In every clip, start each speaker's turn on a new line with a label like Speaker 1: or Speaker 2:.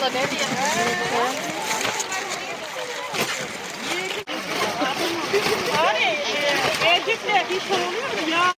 Speaker 1: Evcikle bir şey oluyor mu ya?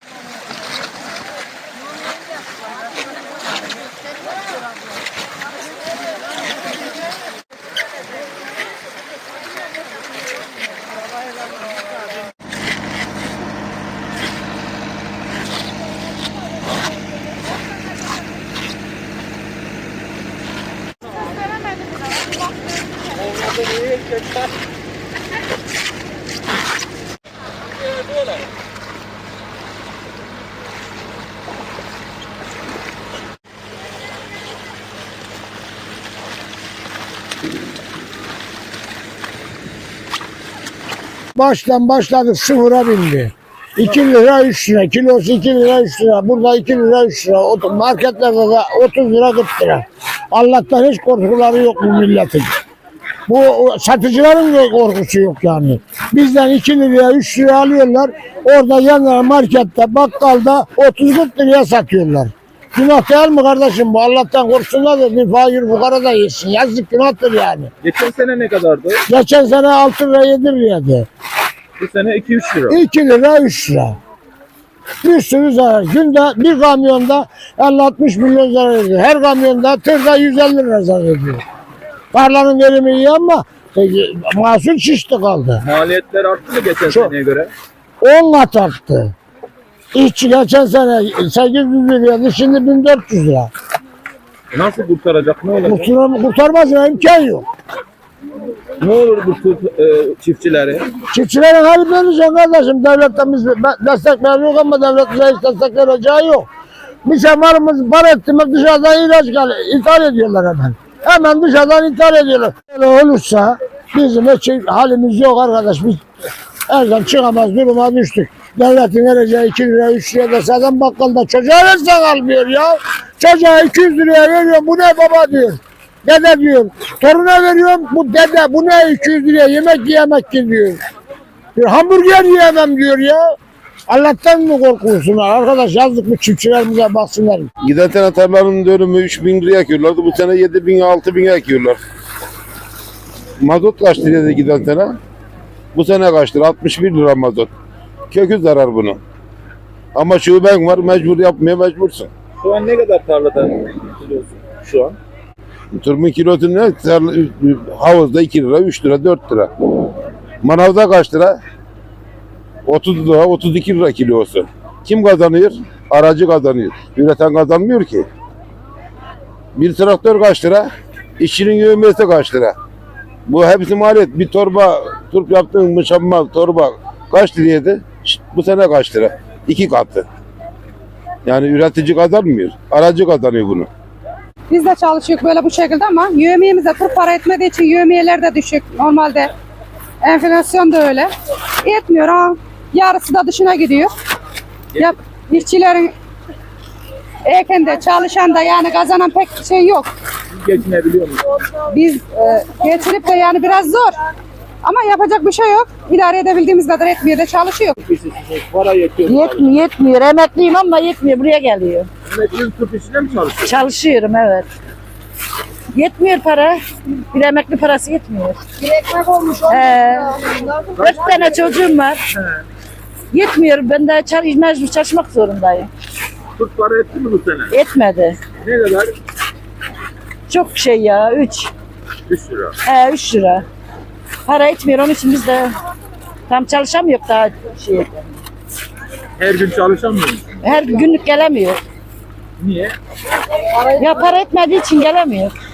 Speaker 2: Baştan başladık sıfıra bindi. 2 lira 3 lira, kilosu 2 lira 3 lira, burada 2 lira 3 lira, marketlerde de 30 lira 40 lira. Allah'tan hiç korkuları yok bu milletin. Bu satıcıların da korkusu yok yani. Bizden 2 liraya 3 lira alıyorlar, orada yanlara markette, bakkalda 30-40 liraya satıyorlar. Günah değil mi kardeşim bu? Allah'tan korksunlar da bir fakir fukara da yesin. Yazık günahtır yani.
Speaker 3: Geçen sene ne kadardı?
Speaker 2: Geçen sene 6 lira 7 liraydı.
Speaker 3: Bu sene 2-3 lira.
Speaker 2: 2 lira 3 lira. Bir sürü zarar. Günde bir kamyonda 50-60 milyon zarar ediyor. Her kamyonda tırda 150 lira zarar ediyor. Tarlanın verimi iyi ama mahsul şişti kaldı.
Speaker 3: Maliyetler arttı mı geçen seneye göre?
Speaker 2: 10 kat arttı. İşçi geçen sene 800 liraydı, şimdi 1400 lira.
Speaker 3: Nasıl kurtaracak? Ne olacak?
Speaker 2: Kurtarmasına imkan yok.
Speaker 3: Ne olur bu çiftçileri?
Speaker 2: Çiftçilerin hali verecek kardeşim. Devletten biz destek veriyoruz ama devlet bize hiç destek vereceği yok. Bir şey malımız para ettiğimiz dışarıdan ithal ediyorlar hemen. Hemen dışarıdan ithal ediyorlar. Öyle olursa bizim hiç halimiz yok arkadaş. Biz elden çıkamaz duruma düştük. Devletin vereceği 2 lira 3 lira dese adam bakkalda çocuğa versen almıyor ya. Çocuğa 200 liraya veriyor, bu ne baba diyor. Dede diyor. Toruna veriyorum, bu dede bu ne 200 liraya yemek yemek diyor. Bir hamburger yiyemem diyor ya. Allah'tan mı korkuyorsunlar arkadaş, yazdık mı çiftçilerimize baksınlar.
Speaker 4: Giden sene tarlanın dönümü 3.000 liraya ekiyorlardı. Bu sene 7.000 6.000'e ekiyorlar. Mazot kaç liraydı giden sene? Bu sene kaç lira? 61 lira mazot. Kökü zarar bunu. Ama şuben var, mecbur yapmaya mecbursun.
Speaker 3: Şu an ne kadar tarlada kilosu şu an?
Speaker 4: Turmun kilosu ne? Havuzda 2 lira, 3 lira, 4 lira. Manavda kaç lira? 30 lira, 32 lira kilosu. Kim kazanıyor? Aracı kazanıyor. Üreten kazanmıyor ki. Bir traktör kaç lira? İşçinin yövmesi kaç lira? Bu hepsi maliyet. Bir torba, turp yaptığın muşamma torba kaç liraydı? Bu sene kaç lira? 2 katı. Yani üretici kazanmıyor. Aracı kazanıyor bunu.
Speaker 5: Biz de çalışıyoruz böyle bu şekilde ama yövmiyemize tur para etmediği için yövmiyeler de düşük. Normalde enflasyon da öyle. Yetmiyor ha. Yarısı da dışına gidiyor. Ya, işçilerin ekende çalışan da yani kazanan pek şey yok.
Speaker 3: Geçinebiliyor musunuz?
Speaker 5: Biz geçirip de yani biraz zor. Ama yapacak bir şey yok. İdare edebildiğimiz kadar etmeye de çalışıyor.
Speaker 3: Para yetiyor mu?
Speaker 6: Yetmiyor. Emekliyim ama yetmiyor. Buraya geliyor.
Speaker 3: Emeklinin turp işine mi çalışıyor?
Speaker 6: Çalışıyorum evet. Yetmiyor para. Bir emekli parası yetmiyor.
Speaker 5: Bir ekmek olmuş.
Speaker 6: 4 tane çocuğum var. Yetmiyor. Ben de mecbur çalışmak zorundayım.
Speaker 3: Turp para etti mi bu sene?
Speaker 6: Etmedi.
Speaker 3: Ne kadar?
Speaker 6: Çok şey ya. 3
Speaker 3: lira.
Speaker 6: 3 lira. Para etmiyor. Onun için biz de tam çalışamıyor daha şey.
Speaker 3: Her gün çalışamıyor musun?
Speaker 6: Her günlük gelemiyor.
Speaker 3: Niye?
Speaker 6: Ya para etmediği için gelemiyor.